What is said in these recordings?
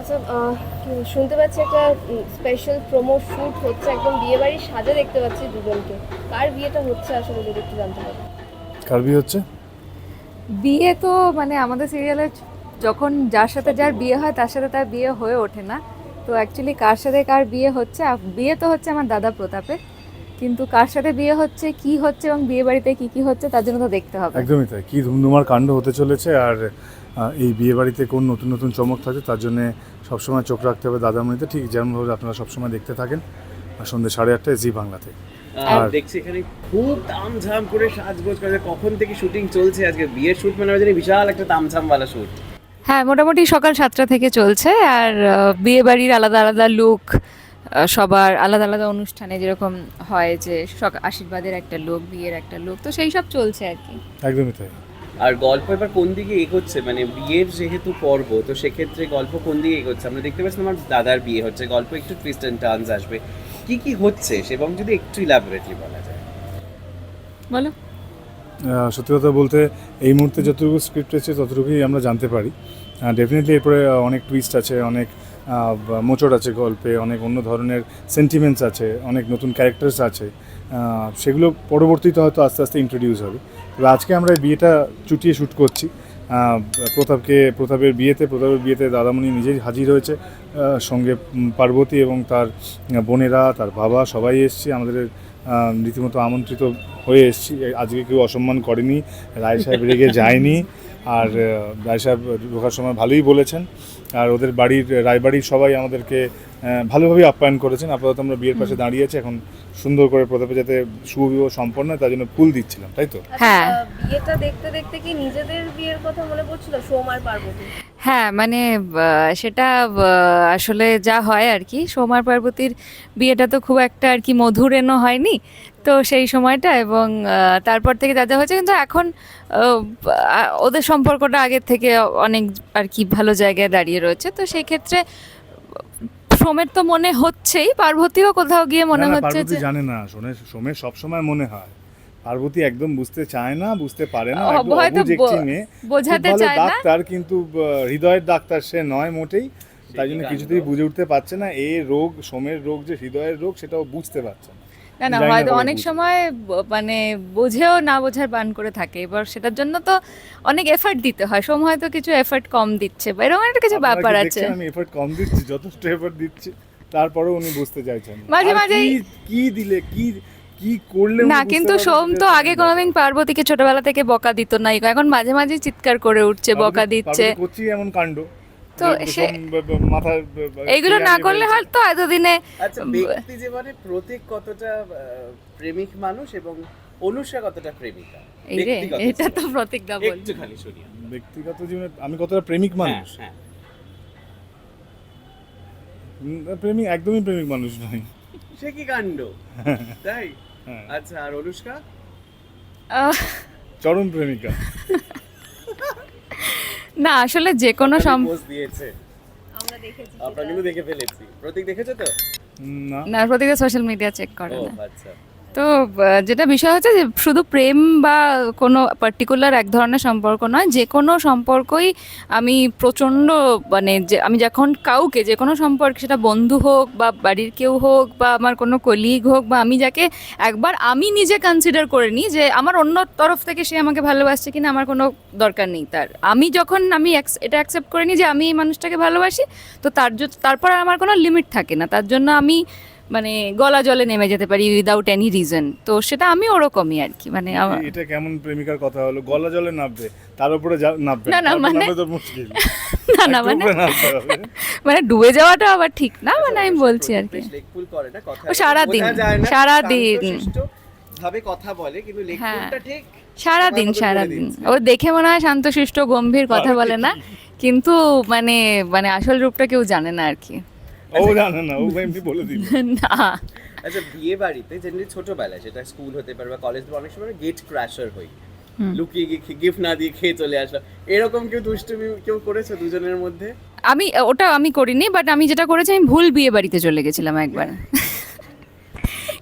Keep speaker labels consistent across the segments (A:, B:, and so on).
A: আচ্ছা, শুনতে পাচ্ছি একটা স্পেশাল প্রোমো শুট হচ্ছে, একদম বিয়ে বাড়ির সাজে দেখতে পাচ্ছি দুজনকে। কার বিয়েটা হচ্ছে আসলে, যদি একটু জানতে পারি?
B: কার বিয়ে হচ্ছে?
C: বিয়ে তো মানে আমাদের সিরিয়ালে যখন যার সাথে যার বিয়ে হয় তার সাথে তার বিয়ে হয়ে ওঠে না। তো অ্যাকচুয়ালি কার সাথে কার বিয়ে হচ্ছে, বিয়ে তো হচ্ছে আমার দাদা প্রতাপের, কিন্তু কার সাথে বিয়ে হচ্ছে, কি হচ্ছে এবং বিয়ে বাড়িতে কি কি হচ্ছে তার জন্য তো দেখতে হবে।
B: একদমই তাই, কী ধুমধুমার কাণ্ড হতে চলেছে। আর এই বিয়ে বাড়িতে কোন নতুন নতুন চমক থাকে তার জন্যে সবসময় চোখ রাখতে হবে দাদামণিতে, ঠিক যেমনভাবে আপনারা সবসময় দেখতে থাকেন সন্ধ্যে 8:30 জি বাংলাতে।
D: আর দেখছি এখানে খুব তামঝাম করে সাজগোজ করে, কখন থেকে শুটিং চলছে? আজকে বিয়ের শুট মানে জানি বিশাল একটা তামঝামওয়ালা শুট।
C: হ্যাঁ, মোটামুটি সকাল 7টা থেকে চলছে। আর বিয়ে বাড়ির আলাদা আলাদা লুক, সবার আলাদা আলাদা অনুষ্ঠানে যেরকম হয় যে আশীর্বাদের একটা লুক, বিয়ের একটা লুক, তো সেই সব চলছে আর কি।
B: একদমই তাই।
D: আর গল্প এবার কোন দিকে এগোচ্ছে, মানে বিয়ের যেহেতু পর্ব, তো সেক্ষেত্রে গল্প কোন দিকে এগোচ্ছে? আমরা দেখতে পাচ্ছি আমার দাদার বিয়ে হচ্ছে, গল্প একটু টুইস্ট অ্যান্ড টার্নস আসবে, কি কি হচ্ছে এবং যদি একটু ইলাবোরেটলি বলা যায়।
C: বলো।
B: সত্যি কথা বলতে এই মুহূর্তে যতটুকু স্ক্রিপ্ট আছে ততটুকুই আমরা জানতে পারি। ডেফিনেটলি এরপরে অনেক টুইস্ট আছে, অনেক মোচড় আছে গল্পে, অনেক অন্য ধরনের সেন্টিমেন্টস আছে, অনেক নতুন ক্যারেক্টার্স আছে। সেগুলো পরবর্তীতে হয়তো আস্তে আস্তে ইন্ট্রোডিউস হবে। তবে আজকে আমরা এই বিয়েটা চুটিয়ে শ্যুট করছি। প্রতাপের বিয়েতে দাদামণি নিজেই হাজির হয়েছে, সঙ্গে পার্বতী এবং তার বোনেরা, তার বাবা, সবাই এসছে। আমাদের রীতিমতো আমন্ত্রিত হয়ে এসেছি। আজকে কেউ অসম্মান করেনি, রায় সাহেব রেগে যায়নি। আর রায় সাহেব ঢোকার সময় ভালোই বলেছেন। আর ওদের রায়বাড়ির সবাই আমাদেরকে ভালোভাবেই আপ্যায়ন করেছেন। আপাতত আমরা বিয়ের পাশে দাঁড়িয়েছি, এখন সুন্দর করে প্রতাপে যাতে শুভ বিবাহ সম্পন্ন হয় তার জন্য ফুল দিচ্ছিলাম, তাই তো?
C: হ্যাঁ।
A: বিয়েটা দেখতে দেখতে কি নিজেদের বিয়ের কথা মনে পড়ছিল, সোম আর পার্বতী?
C: হ্যাঁ, মানে সেটা আসলে যা হয় আর কি, সোমার পার্বতীর বিয়েটা তো খুব একটা আর কি মধুরেণও হয়নি, তো সেই সময়টা এবং তারপর থেকে যা যা হয়েছে, কিন্তু এখন ওদের সম্পর্কটা আগের থেকে অনেক আর কি ভালো জায়গায় দাঁড়িয়ে রয়েছে। তো সেই ক্ষেত্রে সোমের তো মনে হচ্ছেই, পার্বতীও কোথাও গিয়ে মনে
B: না,
C: হচ্ছে
B: পার্বতী
C: যে
B: জানে না, সোমের সবসময় মনে হয়। পার্বতী একদম বুঝতে চায় না, বুঝতে পারে না, একদম
C: হয়তো
B: অবুঝ একটি মেয়ে,
C: বোঝাতে
B: খুব ভালো
C: চায় না।
B: ডাক্তার, কিন্তু হৃদয়ের ডাক্তার সে নয় মোটেই। তাই জন্য কিছুতেই বুঝে উঠতে পারছে না সোমের রোগ যে হৃদয়ের রোগ, সেটাও বুঝতে পারছে না।
C: না,
B: জানি না
C: হয়তো
B: কবে
C: অনেক
B: বুঝবে।
C: সময় মানে বোঝেও না বোঝার বান করে থাকে। এবার সেটার জন্য তো অনেক এফর্ট দিতে হয়, সোম হয়তো কিছু এফর্ট কম দিচ্ছে বা এরকম একটা কিছু
B: আপনারা
C: ব্যাপার
B: কি
C: আছে।
B: দেখছেন আমি এফর্ট কম দিচ্ছি? যথেষ্ট এফর্ট দিচ্ছি, তারপরেও উনি বুঝতে চাইছেন না।
C: মাঝে
B: আর
C: মাঝেই
B: কি দিলে কি করলে উনি
C: না,
B: বুঝতে
C: কিন্তু
B: পারবেন
C: সোম
B: সেটা
C: তো
B: হচ্ছে
C: আগে
B: main
C: কোনোদিন
B: ব্যাপার।
C: পার্বতীকে ছোটবেলা থেকে বকা দিত না, এখন মাঝে মাঝে চিৎকার করে উঠছে, বকা দিচ্ছে।
B: পার্বতী করছি এমন কাণ্ড
C: তো
B: যে
C: সে
B: মাথার
C: এইগুলো না করলে হয়তো এতদিনে
D: আচ্ছা, ব্যক্তি জীবনে প্রতীক কতটা প্রেমিক মানুষ এবং অনুষ্কা কতটা প্রেমিকা?
C: এই রে,
D: ব্যক্তিগত
C: এটা তো
D: জীবনে।
C: প্রতীক দা বল।
D: একটুখানি শুনি আমরা।
B: ব্যক্তিগত জীবনে আমি কতটা প্রেমিক মানুষ?
D: হ্যাঁ,
B: প্রেমিক, একদমই প্রেমিক মানুষ নয়।
D: সে কি কাণ্ড, তাই?
B: হ্যাঁ।
D: আচ্ছা, আর অনুষ্কা?
C: আহ,
B: চরম প্রেমিকা।
C: না, আসলে যে কোনো
D: পোস্ট দিয়েছে,
A: আমরা দেখেছি
D: আমরা কিন্তু দেখে ফেলেছি। প্রতীক দেখেছো তো?
B: না,
C: না, প্রতীক সোশ্যাল মিডিয়া চেক করে
D: ও
C: না।
D: আচ্ছা।
C: তো যেটা বিষয় হচ্ছে যে শুধু প্রেম বা কোনো পার্টিকুলার এক ধরনের সম্পর্ক নয়, যে কোনো সম্পর্কই আমি প্রচণ্ড মানে যে আমি যখন কাউকে যে কোনো সম্পর্ক, সেটা বন্ধু হোক বা বাড়ির কেউ হোক বা আমার কোনো কলিগ হোক বা আমি যাকে একবার আমি নিজে কনসিডার করে নিই যে আমার অন্য তরফ থেকে সে আমাকে ভালোবাসছে কিনা আমার কোনো দরকার নেই তার, আমি যখন এটা অ্যাকসেপ্ট করে নিই যে আমি এই মানুষটাকে ভালোবাসি, তো তারপর আর আমার কোনো লিমিট থাকে না, তার জন্য আমি মানে গলা জলে নেমে যেতে পারি উইদাউট এনি রিজন। তো সেটা আমি ওরকমই আর কি, মানে
B: এটা কেমন প্রেমিকার কথা হলো? গলা জলে নামবে, তার উপরে নামবে
C: না,
B: তারপর
C: মানে
B: নামলে তো মুশকিল।
C: না,
B: একটু উপরে নামতে হবে।
C: মানে ডুবে যাওয়াটা আবার ঠিক না, মানে আমি বলছি আর কি।
D: বেশ লেকফুল করে না কথা,
C: ও সারাদিন,
D: বোঝা যায় না,
C: সারাদিন।
D: শান্তশিষ্ট ভাবে কথা বলে, কিন্তু লেকফুলটা ঠিক
C: সারাদিন
D: আমার মতো বলে দিচ্ছে।
C: ও দেখে মনে হয় শান্তশিষ্ট গম্ভীর, কথা বলে না, কিন্তু মানে মানে আসল রূপটা কেউ জানে না আর কি।
B: ও জানে না, ও এমনি বলে দিল।
C: না,
D: আচ্ছা, বিয়ে বাড়িতে জেনারেলি ছোটবেলায়, সেটা স্কুল হতে পারে বা কলেজ, অনেক সময় গেট ক্র্যাশার হই, লুকিয়ে গিয়ে গিফট না দিয়ে খেয়ে চলে আসলাম, এরকম কেউ দুষ্টুমি কেউ করেছে দুজনের মধ্যে?
C: ওটা আমি করিনি, বাট আমি যেটা করেছি, আমি ভুল বিয়ে বাড়িতে চলে গেছিলাম একবার।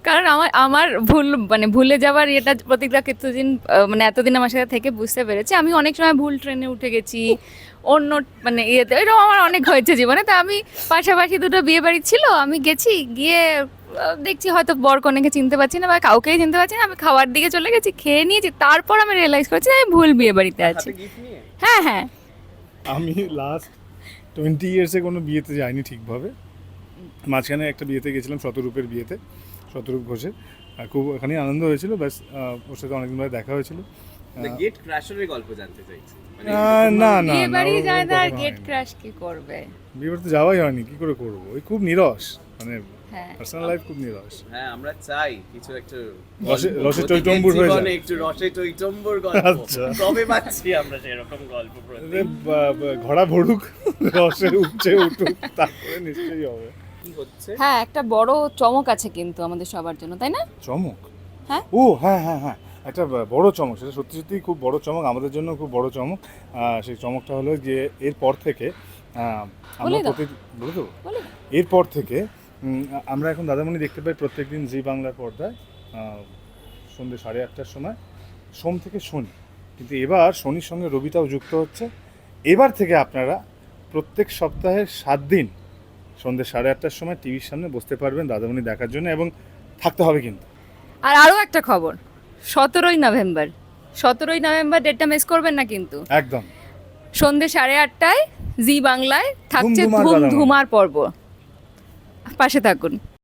C: কারণ আমার ভুলে যাওয়ার এটা প্রতিজ্ঞা কিছুদিন এতদিন আমার সাথে থেকে বুঝতে পেরেছি আমি অনেক সময় ভুল ট্রেনে উঠে গেছি অন্য ইয়েতে এরকম আমার অনেক হয়েছে জীবনে। তা আমি পাশাপাশি দুটো বিয়ে বাড়ি ছিল, আমি গেছি, গিয়ে দেখছি হয়তো বর কনেকে চিনতে পারছি না বা কাউকেই চিনতে পারছি না, আমি খাওয়ার দিকে চলে গেছি, খেয়ে নিয়েছি, তারপর আমি রিয়েলাইজ করেছি যে আমি ভুল বিয়ে বাড়িতে আছি।
D: হাতে gift নিয়ে?
C: হ্যাঁ হ্যাঁ।
B: আমি লাস্ট 20 ইয়ার্সে কোনো বিয়েতে যাইনি ঠিকভাবে। মাঝখানে একটা বিয়েতে গেছিলাম, শতরূপের বিয়েতে, শতরূপ ঘোষের। খুব ওখানেই আনন্দ হয়েছিল, ব্যাস ওর সাথে অনেকদিন ধরে দেখা হয়েছিল।
D: মানে গেট ক্র্যাশারের গল্প জানতে চাইছি। মানে
B: না না
C: বিয়ে বাড়ি
B: ওরকম
C: যায় না আর
B: কখনো
C: গেট
B: হয়নি।
C: ক্রাশ কি করবে?
B: বিয়ে বাড়িতে যাওয়াই হয়নি, কি করে করবো? ওই খুব নিরস, মানে
C: হ্যাঁ।
B: পার্সোনাল লাইফ খুব নিরস।
D: হ্যাঁ আমরা চাই কিছু একটা
B: রসে টইটম্বুর হয়ে যায়।
D: জীবনে একটু রসে টইটম্বুর গল্প।
B: আচ্ছা।
D: কবে পাচ্ছি আমরা সেরকম গল্প প্রতি?
B: ঘোড়া ভরুক, রসে উঠছে উঠুক, তারপরে নিশ্চয়ই হবে।
D: কি হচ্ছে?
C: হ্যাঁ, একটা বড় চমক আছে কিন্তু আমাদের সবার জন্য, তাই না?
B: চমক?
C: হ্যাঁ।
B: ও হ্যাঁ হ্যাঁ হ্যাঁ, একটা বড় চমক, সেটা সত্যি সত্যি খুব বড় চমক, আমাদের জন্য খুব বড় চমক। সেই চমকটা হলো যে এরপর থেকে আমরা
C: বলে দাও।
B: বলে দেবো?
C: বলে
B: এরপর থেকে আমরা এখন দাদামণি দেখতে পাই প্রত্যেকদিন জি বাংলার পর্দায় সন্ধ্যে 8:30টার সময়, সোম থেকে শনি। কিন্তু এবার শনির সঙ্গে রবিটাও যুক্ত হচ্ছে। এবার থেকে আপনারা প্রত্যেক সপ্তাহের 7 দিন সন্ধ্যে 8:30টার সময় টিভির সামনে বসতে পারবেন দাদামণি দেখার জন্য, এবং থাকতে হবে কিন্তু।
C: আর আরও একটা খবর, 17ই নভেম্বর ডেটটা মিস করবেন না কিন্তু।
B: একদম
C: সন্ধ্যে 8:30টায় জি বাংলায় থাকছে
B: ধুমধুমার দাদামণি।
C: ধুমধুমার পর্ব, পাশে থাকুন।